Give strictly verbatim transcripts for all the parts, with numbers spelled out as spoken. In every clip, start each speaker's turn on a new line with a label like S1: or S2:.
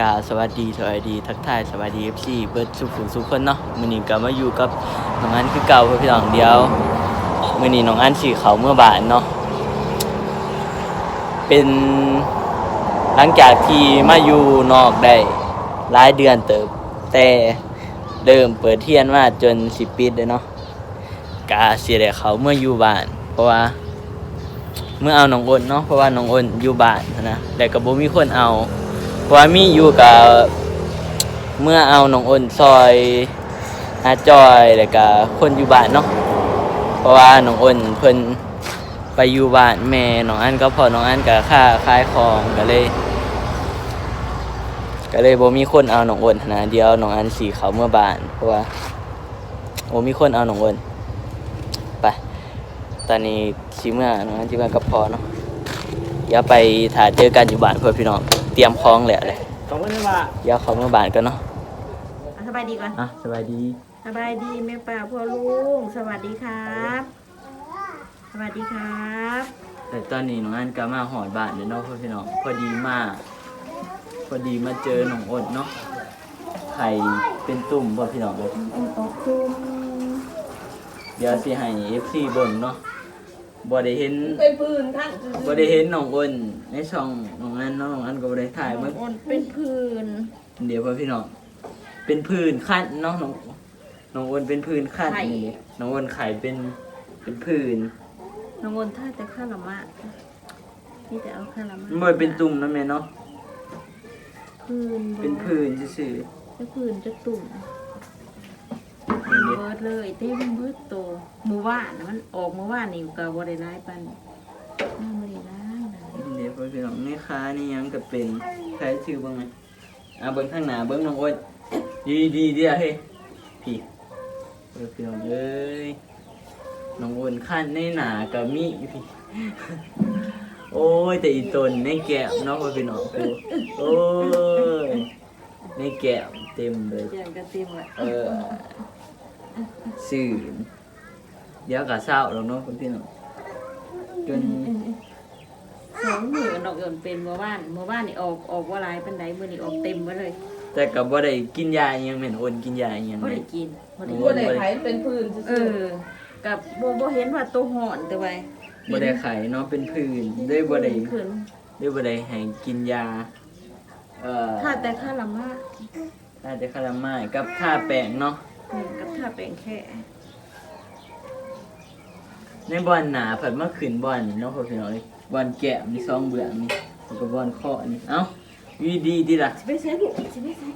S1: กาสวัสดีสวัสดีทักทายสวัสดี เอฟ ซี เบิร์ดสุขุมสุขคนเนาะมื้อนี้ก็มาอยู่กับน้องอันคือเก่าเพื่อนพี่น้องเดียวมื้อนี้น้องอันสิเข้าเมื่อบ่ายเนาะเป็นหลังจากที่มาอยู่นอกได้หลายเดือนเติบแต่เริ่มเปิดเรียนมาจนสิปิดเลยเนาะกะสิได้เข้าเมื่ออยู่บ้านเพราะว่าเมื่อเอาน้องอ้นเนาะเพราะว่าน้องอ้นอยู่บ้านนะแต่ก็บ่มีคนเอาเพราะว่ามีอยู่กับเมื่อเอาน้องอ้นซอยอาจอยแล้วก็คนอยู่บ้านเนาะเพราะว่าน้องอ้นเพิ่นไปอยู่บ้านแม่น้องอันก็พอน้องอันก็ค่าขายของก็เลยก็เลยบ่มีคนเอาน้องอ้นนะเดี๋ยวน้องอันสิเข้าเมื่อบ้านเพราะว่าบ่มีคนเอาน้องอ้นไปตอนนี้สิเมื่อน้องอันสิเมื่อก็พอเนาะเดี๋ยวไปถ่ายเจอกันอยู่บ้านเพื่อนพี่น้องเตรียมพร้อมแล้วเลย
S2: สองคนเลยว่า
S1: เดี๋ยวเข้าเมื่อบ้านกันเนาะ
S3: สบายดีก่อน
S1: อ่ะสบายดี
S3: สบายดีแม่ป่าพ่อลุงสวัสดีครับ สวัสดีครับ
S1: แต่ตอนนี้น้องอันก็มาหอดบ้านเด้อเนาะเพื่อนพี่น้องพอดีมากพอดีมาเจอน้องอดเนาะไข่เป็นตุ่มเพื่อนพี่น้องเลย
S3: ตกตุ้ม
S1: เดี๋ยวสิให้ เอฟ ซี เบิ่งเนาะบ่ได้เห็น
S3: เป็นปืนทั้ง
S1: บ่ได้เห็นน้องอ้นในช่องน้องอันเนาะน้องอันก็บ่ได้ถ่ายมา
S3: อ่อนเป็นปืน
S1: เดี๋ยวเพื่อนพี่น้องเป็นผื่นคันเนาะน้องน้องอ้นเป็นผื่นคันนี่เด้น้องอ้นไข่เป็นเป็นผื่น
S3: น้องอ่อนท่าแต่ข้าละมะนี่แต่เอาข้าละมะ
S1: มันบ่เป็นตุ่มนะแม่เนาะ
S3: ปืน
S1: เป็นผื่นซื่อ
S3: จะปืนจะตุ่ม
S1: ๆนี่เด้
S3: เบิร์ดเลยเต้เป็นเบิร์ดโตหมู่บ้านนะมันออกหมู่บ้านนี่ก็บ่ได้ร้ายปันน่าบ่ได้ร้ายนะ
S1: เดี๋ยวเพื่อนพี่น้องนี่ค้านี่ยังก็เป็นใช้ชื่อบ้างไหมอ่ะเบิ้งข้างหน้าเบิ้งน้องอ้นดีดีเดียวเฮ้ยพี่เพื่อนพี่น้องเอ้ยน้องอ้นขั้นในหนากับมีพี่ โอ้ยแต่อีตนในแก้มเนาะเพื่อนพี่น้องกูโอ้ยในแก้มเต็มเลย
S3: เจียงกันเต็มเลย
S1: เออสื่อเดี๋ยวกับเศร้าแล้วเนาะเพื่อนพี่น้องจน
S3: สองหมื่นดอกหย่อนเป็นเมื่อวานเมื่อวานนี่ออกออกว่าลายเป็นไดมื้อนี้ออกเต็มไว้เลย
S1: แต่กับว่าได้กินยาอิหยังเหม็นโอนกินยาอิหยัง
S3: บ่
S1: เล
S3: ได้
S1: ย
S3: กินบ่ได้
S1: โอ้
S3: กิน
S2: ได้ไผเป็นพื้น
S3: เออกับบ่บ่เห็นว่าตัวห่อนแต่ว่า
S1: บ่ได้ไข่เนาะเป็นผื่นได้บ่ได้
S3: ขึ้น
S1: ได้บ่ได้ให้กินยาเอ่อ
S3: ถ้าแต่ค่าละมา
S1: ถ้าจะคาราไม้กับท่าแป้งเนาะ
S3: อืมกับถ้าเป็นแค่
S1: ในบ่อนหนาผัดมาขึ้นบ่อนนี่เนาะพ่อพี่น้องเอ้ยบ่อนแก้มนี่สองเบื้องนี่แล้วก็บ่อนคอนี่เอ้าวีดีดีล่ะ
S3: สิไปใช้ลูกสิไปใช้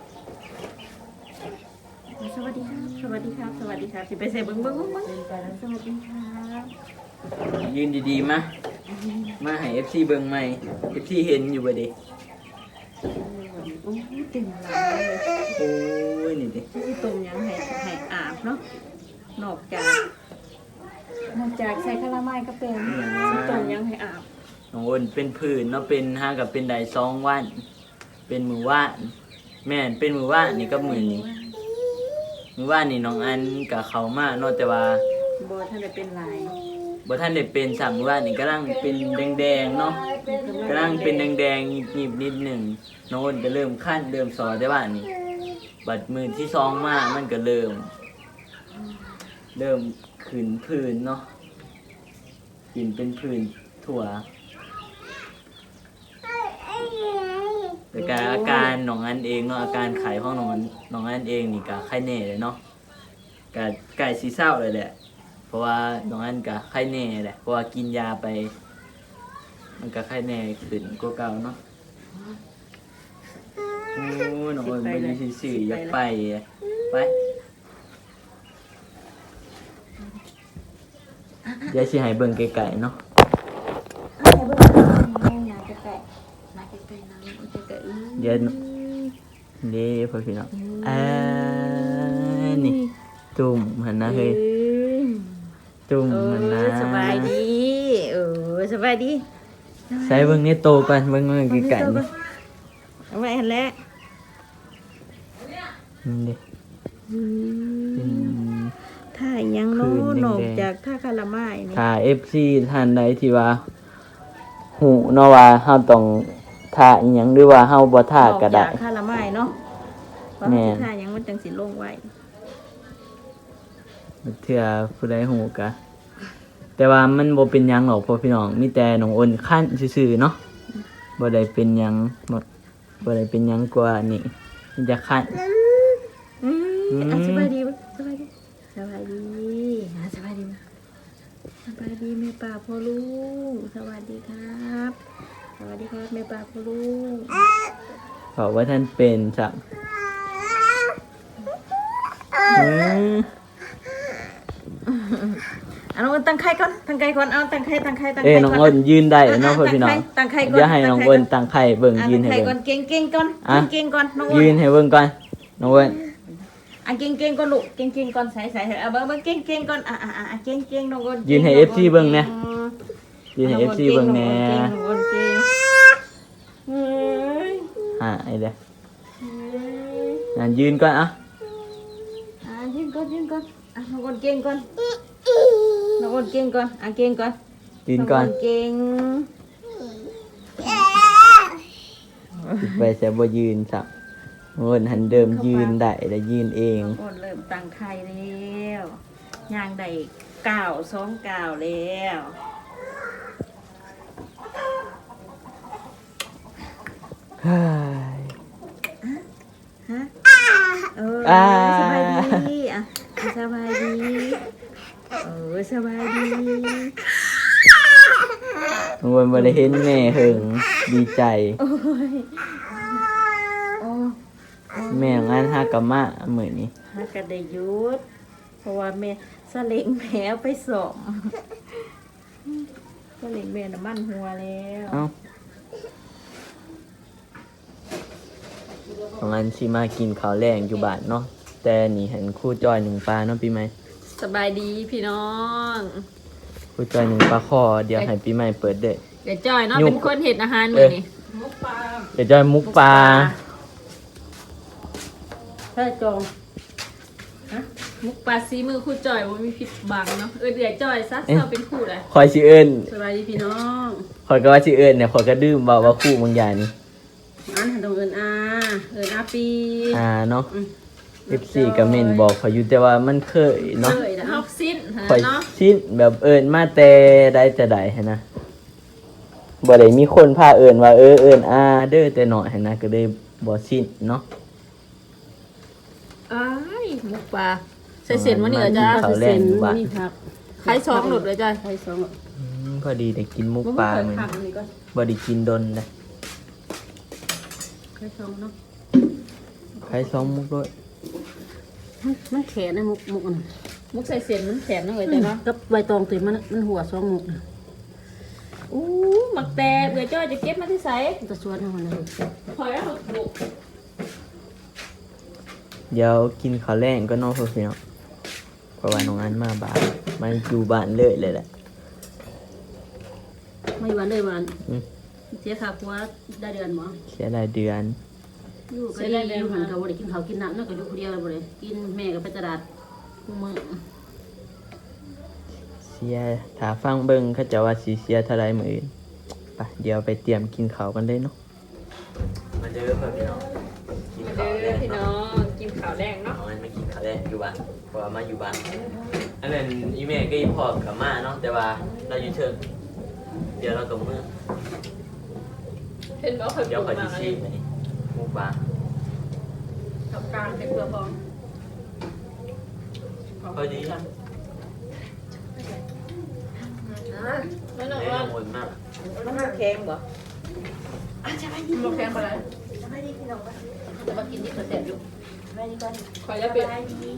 S3: สวัสดีครับสวัสดีครับสวัสดีครับสิไปใช้เบิ่งเบิ่งเบิ่งเบิ่งสวัสดีครับ
S1: ยืนดีๆมามาให้ เอฟ ซี เบิ่งใหม่ เอฟ ซี เห็นอยู่บ่เด้
S3: โอ้ยเต็มหลังเลย
S1: โอ้ยนี่ดิ
S3: ที่ต้มยังให้ให้อาบเนาะนอกจากนอกจากใช้คาราไมก็เป็นที่ต้มยังให้อาบ
S1: น้องอ้นเป็นผื่นเนาะเป็นหากับเป็นได้สองวัน เป็นมื้อวานแม่นเป็นมื้อวานนี่กับมื้อนี้มื้อวานนี่น้องอันก็เข้ามาเนาะแต่ว่า
S3: บ่ท่านได้เป็นลาย
S1: บ่ท่านได้เป็นสามมื้อวานนี่กำลังเป็นแดงๆเนาะกำลังเป็นแดงๆหยิบๆนิดหนึงน้องอ้นก็เริ่มคั่นเริ่มซอแต่ว่านี่บัดมื้อที่สองมามันก็เริ่ม เริ่มขึ้นผื่นเนาะขึ้นเป็นผื่นทั่วแต่การอาการน้องอันเองเนาะอาการไข้ของน้องอันน้องอันเองนี่ก็ไข้แน่เลยเนาะก็ใกล้สิเศร้าเลยแหละ เพราะว่าน้องอันก็ไข้แน่แหละเพราะว่ากินยาไป มันก็ไข้แน่ขึ้นกว่าเก่าเนาะโอ้ยน้องอันไปอยู่ซื่อๆอยากไปอะไปเดี๋ยวสิให้เบิ่งไกลๆเนาะ
S3: ให้เบิ่งนาจะแตะนาจะแตะนาจะแตะอื้อ
S1: เดี๋ยวเด้พ่อพี่น้องอ่านี่จุ่มหันนะเฮ้ยจุ่ม
S3: เอ
S1: หันนะ
S3: อสบายดีเออสบายดี
S1: ใส่เบิ่งนี่โตก่อนเบิ่งเบิ่งไกลๆนี่
S3: เอาไว้หันแหละ
S1: นี่เด้
S3: อืม
S1: เป็น
S3: ถ้ายัง
S1: คื
S3: โน้
S1: นแดงๆ
S3: นอกจากถ้าคาราไมนี่
S1: ถ้า เอฟ ซี ท่านใดที่ว่าหูเนาะว่าเฮาต้องท่าอีหยังหรือว่าเฮาบ่ท่าก็ได้
S3: นอกจากคาราไมเนาะเพราะ
S1: แม่
S3: สุดท้ายยังมันจังสิลงไว้
S1: เถื่อผู้ใดหูกะแต่ว่ามันบ่เป็นหยังหรอกพ่อพี่น้องมีแต่น้องอ้นคั่นซื่อๆเนาะบ่ได้เป็นหยังบ่บ่ได้เป็นหยังกว่านี่มันจะคั่น
S3: อืม
S1: อืม
S3: อ่ะสบายดีบ่สบายดีสบายดีอ่ะสบายดีบ่สบายดีแม่ป่าพ่อลูกสวัสดีครับสวัสดีครับแม่ป่าพ่อลูก
S1: บอกว่าท่านเป็นสักอืม
S3: เอาน้องอ้นตั้งไข่ก่อนตั้งไข่ก่อนเอาตั้งไข่ตั้งไข่ตั้ง
S1: เอ้
S3: ไข่
S1: ยน้อง
S3: ก่
S1: อ้นยืนได้เนาะพ่อพี่น้อง
S3: ตั้งไข่ก่อน
S1: อย่าให้น้องอ้นตั้งไข่เบิ่ง
S3: อ่ะ
S1: ยืน
S3: ตั้ง
S1: ให้
S3: ไข่ก่อ
S1: เบิ่
S3: น
S1: ง
S3: เก่งเก่งๆก่อน
S1: อ่ะ
S3: เก่งๆก่อนน้องอ้น
S1: ยืนให้เบิ่งก่อนน้องอ้น
S3: อ่ะเก่งเก่งๆก่อนลูกเก่งเก่งๆก่อนใส่ใส่เอาเบิ่งเบิ่งเก่งเก่งๆก่อนอ่ะอ่ะอ่ะเก่งเก่งๆน้องอ้น
S1: ยืนให้ เอฟ ซี เบิ่งแน่ยืนให้ เอฟ ซี เบิ่งแน่
S3: น้องอ้นเก่งเฮ้ย
S1: อ่าไอ้เด้อ
S3: เฮ้ย
S1: นั่นยืนก่อนอ่ะ
S3: อ่ะยืนก่อนยืนก่อนอ่ะน้องอ้นเก่งก่อนน้องอ้นเก่งก่อนอ่ะเก่งก่อน
S1: ยืนก่อน
S3: งเก่ง
S1: ไปแต่บ่ยืนสักน้องอ้นหันเดิมยืนได้แล้วยืนเอง
S3: น้องอ้นเริ่มตั้งไข่แล้วย่างได้เก้าสองเก้าแล้ว
S1: เฮ้ย
S3: ฮะเออ
S1: อ่า
S3: สบายดีอ่ะสบายดีเออสบายดี
S1: น้องอ้นบ่ได้เห็นแม่หึงดีใจ
S3: โอ้ยโอ้
S1: แม่งานหากะมะมื้อนี้
S3: ฮักก็ได้หยุดเพราะว่าแม่สะเล็งแผลไปสองสะเล็งแม่น้ำมันหัวแล้ว
S1: เอ้าของอันสิมากินข้าวแรงอยู่บ้านเนาะแต่นี่เห็นครู่จอยหนึ่งปลาเนาะปีใหม่
S3: สบายดีพี่น้อง
S1: ครู่จอยหนึ่งปลาคอเดี๋ยวให้ปีใหม่เปิดเด้อ
S3: เดี๋ยวจอยเนาะ
S1: ยุก
S3: เป็นคนเห็ดอาหารมื้อนี้
S1: เดี๋ยวจอยมุกปลา
S3: ถ้าจองมุกปลาซีมือคู่จอยว่ามีผิดบังเนาะเออเดี๋ยวจอยซะเราเป็นคู่เลย
S1: คอยสิเอิ้น
S3: สบายดีพี่น้อง
S1: คอยก็ว่าสิเอิ้นเนี่ยคอยก็ดื้มเบาว่าคู่บางอย่างนี่
S3: อันหันตรงเอินอาเอินอาปี
S1: อ่าเนาะ เอฟ ซี ก็เม่นบอกเขาอยู่แต่ว่ามันเคยเนาะ
S3: เลยนะฮอกซิน
S1: คอย
S3: เนาะ
S1: ชินแบบเอิ้นมาแต่ได้แต่ใดหั้นนะบ่ได้มีคนพาเอิ้นว่าเออเอิ้นอาเด้อแต่น้อยหั้นนะก็เลยบ่ชินเนาะ
S3: อ้ายมุกปลาใส่เสียนวันนี้เหรอจ้า
S1: เขาแรงอยู่บ้าน
S3: นี่ครับไข่สองหลุดเลยจ้าไข่สอง
S1: อืมพอดีได้กินมุก
S3: มุก
S1: ปลา
S3: เปิด
S1: เหมือน
S3: ผักอันนี้ก่อน
S1: บ่ได้กินดนเลย
S3: ไข่สองเนาะ
S1: ใครซ้อมมุกด้วย
S2: มันแขนนะมุกมุกน่ะ
S3: มุกใส่เสียนมันแขนนะเลยจ้าเนาะ
S2: กับใบตองติมันมันหัวสองมุกน่ะ
S3: อู้หมักแต่เบื่อจ้อยจะเก็บมาที่ไส
S2: มันจะชวนให้มันเลย
S3: พอยแล้วบุก
S1: เดี๋ยวกินข้าวแรงก็นอกเพื่อนเนาะเพราะว่าน้องอันมาบ้านมาอยู่บ้านเลยเลยแหละ
S2: ไม่วันเลยวัน
S1: อืม
S2: เสียค่าผัวได้เดือนหมอ
S1: เสียรายเดือน
S2: อยู่ก็ดีอยู่หันกับบ่ได้กินข้าวกินน้ำนั่นก็อยู่คนเดียวเลยบ่ได้กินแม่ก็ไปตลาดทุกมื้อ
S1: เสียถ้าฟังเบิ่งเขาจะว่าสิเสียเท่าไรมื้ออื่นไปเดี๋ยวไปเตรียมกินข้าวกันเลยเนาะมาเด้อพ่อพี่น้องกินข้าวแรง
S3: พี่น้องกินข้าวแดงเนาะ
S1: น้องอันมากินข้าวแรงอยู่บ้านเพราะว่ามาอยู่บ้านอันนั้นอีแม่ก็อีพ่อกับมาเนาะแต่ว่าเราอยู่เชิงเดี๋ยวเรากับมือ
S3: เห็นบอกเคย
S1: เดี๋ยว
S3: ป
S1: ค
S3: ลู
S1: อย
S3: ก
S1: สิ
S3: มา
S1: ชิมอันนี้หมูปลา
S3: กับกลางเป็นเปลือกพอง
S1: พอดีนะ
S3: ไม่หนัก
S1: ไม่
S3: ว่า
S1: กังวลมาก
S3: มันแข็งบ่อาจจะไปดีมันแข็งไปเลย
S2: แต่ว่ากินนี่ก็แซ่บอยู่
S3: คอยจะเป็น
S4: สบายดี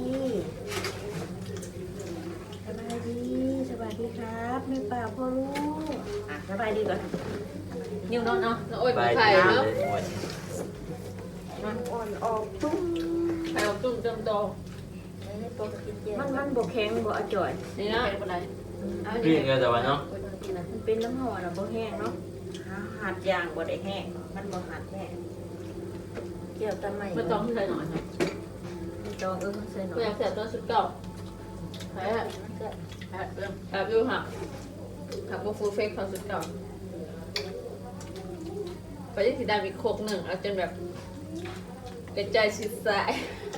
S4: สบายดี สวัสดีครับแม่ป่าพ่อลูกอ่ะสบายดีก่อน
S3: นิ้วนอนเนาะแล้วโอ๊ย
S1: ไป
S3: ไข่
S1: ดี
S3: เนาะ
S1: เลยหมด
S4: มันอ่อนออกตุ้ม
S3: ไข่ออกจุ่มจำโต
S4: ให้ตัวกินเจมันมันบกแข็งบกอจ่อย
S3: นี่นะ
S2: แซ่บบ่ได้
S3: เอา
S1: พี่
S3: ดิ
S1: เงแต่ว่าเนาะ
S2: กินนะ
S4: มันเป็นน้ำห่อนะบ่แห้งเนาะหาหัดยางบ่ได้แห้ง มันบ่หัดแห้งเกี่ยวตะไม
S3: ไม่ต้องใส่หน่อยนะ
S4: ไม่ต้องเออใส่หน่อ
S3: กู
S4: ย
S3: อยากเสียตัวสุดเก่าแพ้แพ้เริ่มแพ้ดูหักหักพวกฟูลเฟกเขาสุดเก่าไปที่สีดำอีกโคกหนึ่งเอาจนแบบ
S4: กระจายสิสาย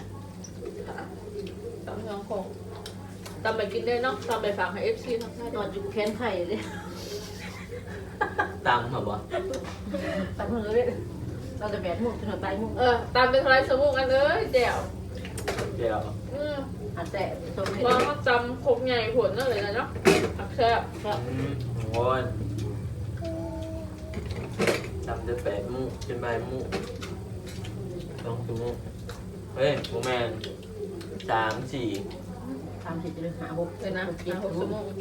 S4: ตำทองคงตำไปกินได้เนาะตำไปฝากให้เอฟซีทั้งชาติ
S2: นอนอยู่แขนไข่เลย
S1: ตามเหรอบ่
S2: ตำเลยเราจะแบดมุกจนถึงปลายมุก
S4: เออตำเป็นทลายสมุกกันเลยแจ๋ว
S1: เดี๋ยว
S4: อืม
S2: อาแต่ตรงนี้
S4: ว่ามาจำครกใหญ่ผลนั่นเลยนะเนาะอักแซ่บ
S1: อืมโอ้ยจำได้แปดหมู่เป็นใบหมู่สองชั่วโมงเฮ้ยโมแมนสามสี่
S2: ทำเสร็จจะเลยหาหก
S4: เลยนะ
S2: เจ็ด
S4: ห
S2: ห
S4: ก
S2: ก
S4: ชั่วโมง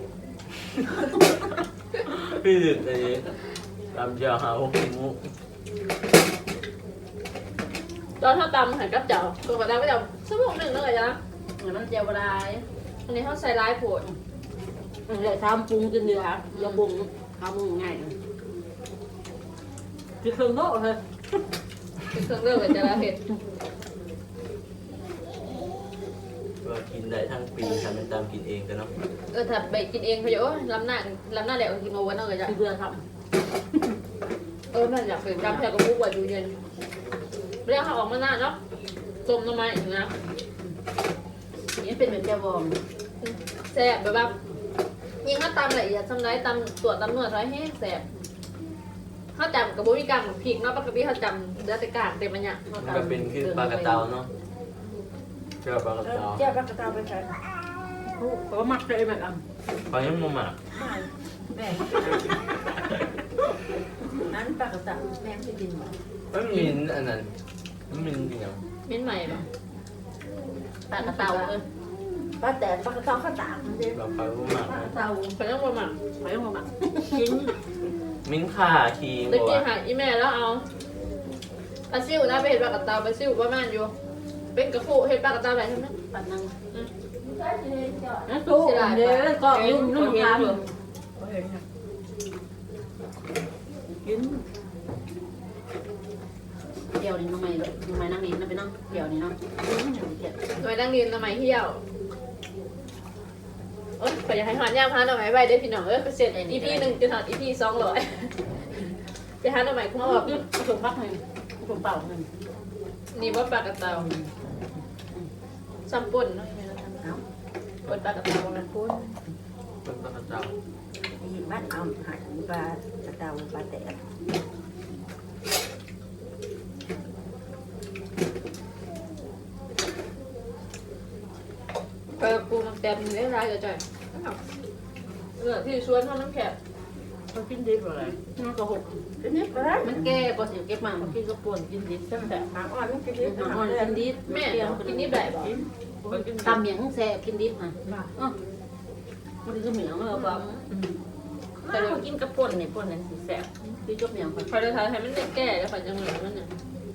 S1: พี่ดึกเลยตามเจ้าหาหกชั่วโมง
S4: ตอนเท่าตำหันกับเจ้าตัวกระดาษก็จะสมุกหนึ่งนั่นเลยนะ
S2: เหมือนมันเจียวบลาย
S4: อันนี้เขาใส่ร้ายผล
S2: เลยทำปรุงจนเดือดยาปรุงทำปรุงง่ายคือเครื่องโน้ตเลย
S4: เป็นเครื่องเลือกเลยจะละเห็ด
S1: ก็กินได้ทั้งปีทำเป็นตามกินเองกันเนาะ
S4: เออถ้าไปกินเองเขาจะโอ้ยล้ำหน้าล้ำหน้าแหลกกินโอวันนั่นเลยจ้ะ
S2: คือเบื่อท
S4: เออนั่นอยากเป็นจำแค่กับมุกว่าดูเย็นเรียกเขาออกมาหน้าเนาะต้มน้ำมันอีกนะ
S2: ำนี่เป็นเหมือนเจียวบอง
S4: แซ่บแบบว่ายิงถ้าตำละเอียดทำไรตำตัวตำนวดไรให้แซ่บเขาจำกับบุ้ยกลางของพริกเนาะปกติเขาจำเดือดแต่กลางเต็มมันเนี่ย
S1: มันก็เป็นคือปลากระเตาเนาะเชื่อปลากระเตา
S4: เจ้าปลากระตาไปใส่
S2: เพราะว่ามักเลยแบบอ่ะ
S1: พอยังมุมอ่ะ
S2: แม่นั้นปลากระตังแม่ไม่กินหรอ
S1: มันมีอันนั้นมันมีอย่าง
S4: เม้นใหม่ป่ะ
S2: ปลากระเตาเออ
S3: ป้าแต่ปลากระเตาข้าวตากมันจะ
S1: แบบไปมุมอ่ะ
S2: ปลากระเตา
S4: เขาต้องมาหมัก
S2: ไปยังมากิน
S1: มิ้นข่าคีง
S4: ตะ
S1: บัว
S4: กี้หาอีแม่แล้วเอาปลาซิวนะไปเห็ดปลากระตาปลาซิวประมาณอยู่ เป็นกระปุกเห็ดปลากระตาอะไรใช่ไหม
S2: ปลานังนั่นตู้เดี๋ยวก็ยุ่งนุ่งทำกินเดี๋ยวนี้น้องไม่น้องไม่นั่งนี่นั่งไปนั่งเดี๋ยวนี้เนาะ
S4: หน่วยดังดินทำไมเที่ยวเอ้ยขออยากให้หอนย่างพาหน่อไม้ใบได้พี่น้องเอ้ยเสร็จอีพีหนึ่งจะถอดอีพีสองร้อยไปหาหน่อไม้คุ้มแบบ
S2: ถุงพักหนึ่งถุงเปล่าหนึ่ง
S4: นี่ว่าปลากระเตาซัมปุ่นเนาะปุ่นปลากระเตามันพุ่น
S1: เป็นปลากระเตา
S3: ยินบ้านเอาหายปลากระเตาปลาแต่
S4: ปลาปูมันเต็มเลยร้ายจะจ่อยเออที่ชวนเขาน้ำแข็ง
S2: เขากินดิบอะไรมันก็หก
S3: ทีนี้ก็ได้
S2: มันแก่พอสิเก็บมามันกินก็ป่วนกินดิบใช่ไหมแต่
S3: หางอ่อนมันกินดิบ
S2: หาง
S3: หาง
S2: อ่
S3: อ่
S2: อ
S3: อน น
S2: กินดิบ
S4: แม่
S2: เปรี้ยว
S4: กินนี่แบบบอก
S2: ตำเหมียงแซ่กินดิบอ่ะอ๋อมันคือเหมียงเออปั๊ม
S3: แต่เรากินกระป่นเนี่ยป่นนั่นสิแซ่บ
S2: คือจบเหมียงก่อน
S4: พอจะทายให้มันแก่แล้วฝันจะเหมือนมันเนี่ย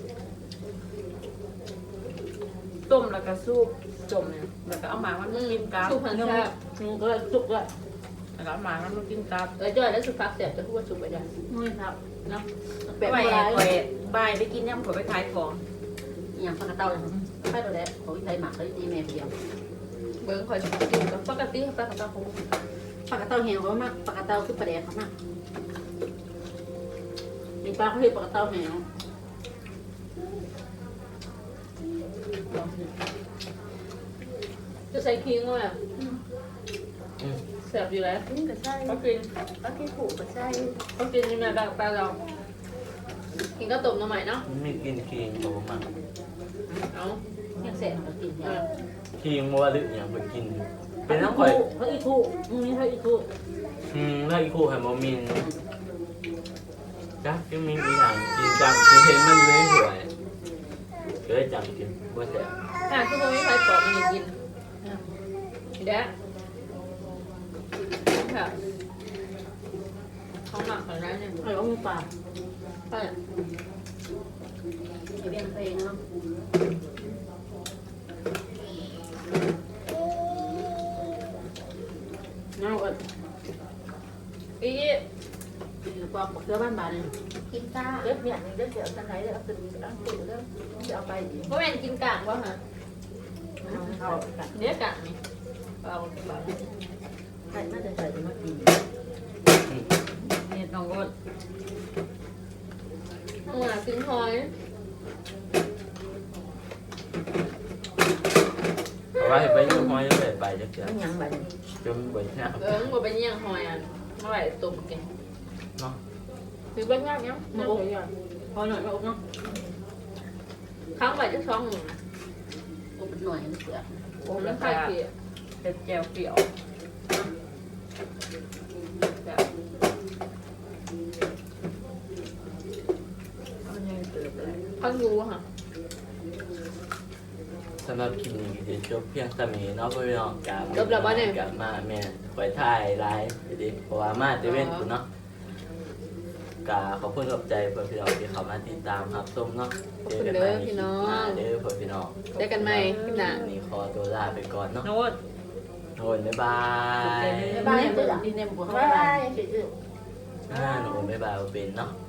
S3: ต้มแล้วก็ซุปจมเนี่ยแล้วก็เอาหมามันมากินกับ
S4: สุพรรณแซ่บ
S2: มันก็สุกด้วย
S3: แล้วก็เอาหมามันมากินกับ
S4: เออจ่อยแล้วสุพักเสียบจะพูดว่าสุกไปได้
S2: นี่ครับเนาะ
S3: ไป
S2: แบบ
S3: ไป
S2: อะไร
S3: ไปบายไปกินย่ำขอไปขายของ
S2: อย่างปลากระเต่าไปตัวแรกของไทยหมักเลยดีแม่เดียว
S4: เบิ้งคอยกินกับปกติปลากระเตาคง
S2: ปลากระเต่าเหี่ยวเขามากปลากระเต่าคือปลาแดกเขามากมีปลาเขาเห็นปลากระเต่าเหี่ยวลองสิ
S4: จะใส่คิงว่าแบบแซ่บอยู่แล้ว
S3: นี่ก็ใช่
S4: เขากิน
S3: ก็ที่ผูกก็ใช่
S4: เขากินยังไงแบบปลาเรากินก็ต้มน้ำใหม่เนาะ
S1: มันมีกินคีงบัวมัน
S4: เอา
S2: ยังแซ่บเขากินเนี่ย
S1: คีงบัวหรืออย่างไปกินอยู่เป็นน้ำข่อย
S2: เขาอีทูมึงนี่เขาอีทู
S1: อืมแล้วอีกคู่ไฮโมมินจ้ะยังมีอีกอย่างกินจำกินเห็นมันอยู่ในถ้วยเคยจำกินบัวแสบ
S4: อ่ะคือพวกนี้ใครปอกมันกินเด้ค่ะเขาหมักของร้านเนี่ย
S2: ไอ้ว่ามึงปลา
S4: ใช่
S2: ไอ้เบี้ยงเพลงเนาะน้องก็
S4: อี
S2: ปอกเสื้อบ้านบานเลย
S3: กินก้าเล็บเนี่ยเล็บเดี๋ยวสันไหนเดี๋ยวเอาตึงตั้งตึงเดี๋ยวจะเอาไปดิ
S4: พวกแม่นกินกากวะฮะ
S3: เอากัน
S4: เนื้อกากนี่เอาแบบ
S3: ใครน่าจะใส่มากิน
S2: เนี่ยต้องรด
S4: หัวกินหอย
S1: ว่าไปอยู่ห้อยเลยไปจักเดือน
S3: มันยังบัดนี้
S1: จนบ่ยาก
S4: เออบ่เป็นยังหอยอ่ะเมื่อไหร่ตุ่มกิน
S1: เนาะ
S4: หรือบ้านยากยังมาอบพอหน่อยมาอบเนาะครั้งไปจะช่องหนึ่ง
S2: โอ้เป็นหน่อยนี่เสือ
S4: โอ้แล้วใครเกลี่ย
S3: เป็นแจวเปรี้ยว
S4: แบบ
S3: มันยังเติบเลย
S4: พังยูค่ะ
S1: สำหรับคลิปนี้ก็จะจบเพียงเท่านี้เนาะพี่น้องกลับ
S4: จบแล้วบ่เนี่ย
S1: กลับมาแม่ข่อยถ่ายไลฟ์ดิเพราะว่ามาเตเว่นคุณเนาะกาขอบคุณขอบใจเพื่อนพี่น้องที่เข้ามาติดตามครับส้มเนาะเจอกันใหม่ในคลิปหน้าเด้อเพื่อนพี่น้อง
S4: เจอกันใหม่คลิปหน้า
S1: นี่ขอตัวลาไปก่อนเนาะ
S3: โน้ต
S1: โทนบ๊ายบาย
S2: บ้านเนี่ยดินเนี่ยบ่เข้า
S3: บ๊าย
S2: บ้า
S3: บาน ย
S1: อ่าหนูบ๊ายบายเอาเป็นเนาะ